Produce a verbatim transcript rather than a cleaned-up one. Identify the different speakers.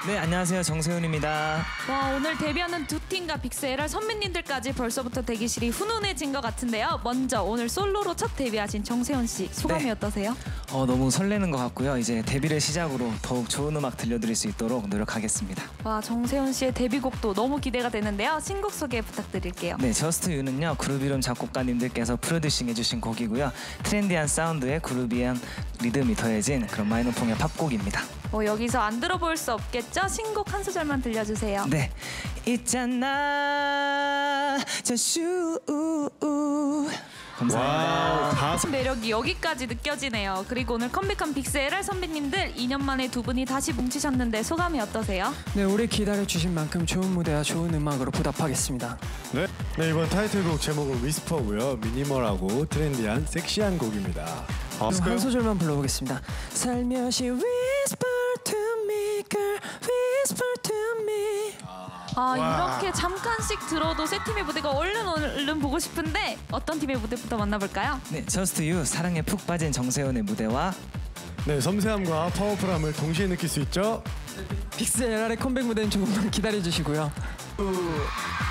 Speaker 1: 네, 안녕하세요. 정세훈입니다.
Speaker 2: 와, 오늘 데뷔하는 두 팀과 빅스엘알 선배님들까지 벌써부터 대기실이 훈훈해진 것 같은데요. 먼저 오늘 솔로로 첫 데뷔하신 정세훈 씨, 소감이
Speaker 1: 네.
Speaker 2: 어떠세요?
Speaker 1: 어, 너무 설레는 것 같고요. 이제 데뷔를 시작으로 더욱 좋은 음악 들려드릴 수 있도록 노력하겠습니다.
Speaker 2: 와, 정세훈 씨의 데뷔곡도 너무 기대가 되는데요. 신곡 소개 부탁드릴게요.
Speaker 1: 네, 저스트 유는요. 그룹 이름 작곡가님들께서 프로듀싱 해주신 곡이고요. 트렌디한 사운드에 그루비한 리듬이 더해진 그런 마이너풍의 팝곡입니다.
Speaker 2: 어, 여기서 안 들어볼 수 없겠죠? 신곡 한 소절만 들려주세요.
Speaker 1: 네, 있잖아 저슈 감사합니다.
Speaker 3: 다
Speaker 2: 매력이 여기까지 느껴지네요. 그리고 오늘 컴백한 빅스엘알 선배님들 이 년 만에 두 분이 다시 뭉치셨는데 소감이 어떠세요?
Speaker 4: 네, 오래 기다려주신 만큼 좋은 무대와 좋은 음악으로 보답하겠습니다.
Speaker 3: 네. 네, 이번 타이틀곡 제목은 위스퍼고요. 미니멀하고 트렌디한 섹시한 곡입니다. 아,
Speaker 4: 그럼 한 소절만 불러보겠습니다. 살며시 whisper to me, girl, whisper to me.
Speaker 2: 아, 이렇게 잠깐씩 들어도 세 팀의 무대가 얼른 얼른 보고 싶은데 어떤 팀의 무대부터 만나볼까요?
Speaker 1: 네, 저스트 유 사랑에 푹 빠진 정세훈의 무대와
Speaker 3: 네, 섬세함과 파워풀함을 동시에 느낄 수 있죠.
Speaker 4: 빅스엘알의 컴백 무대는 조금만 기다려주시고요.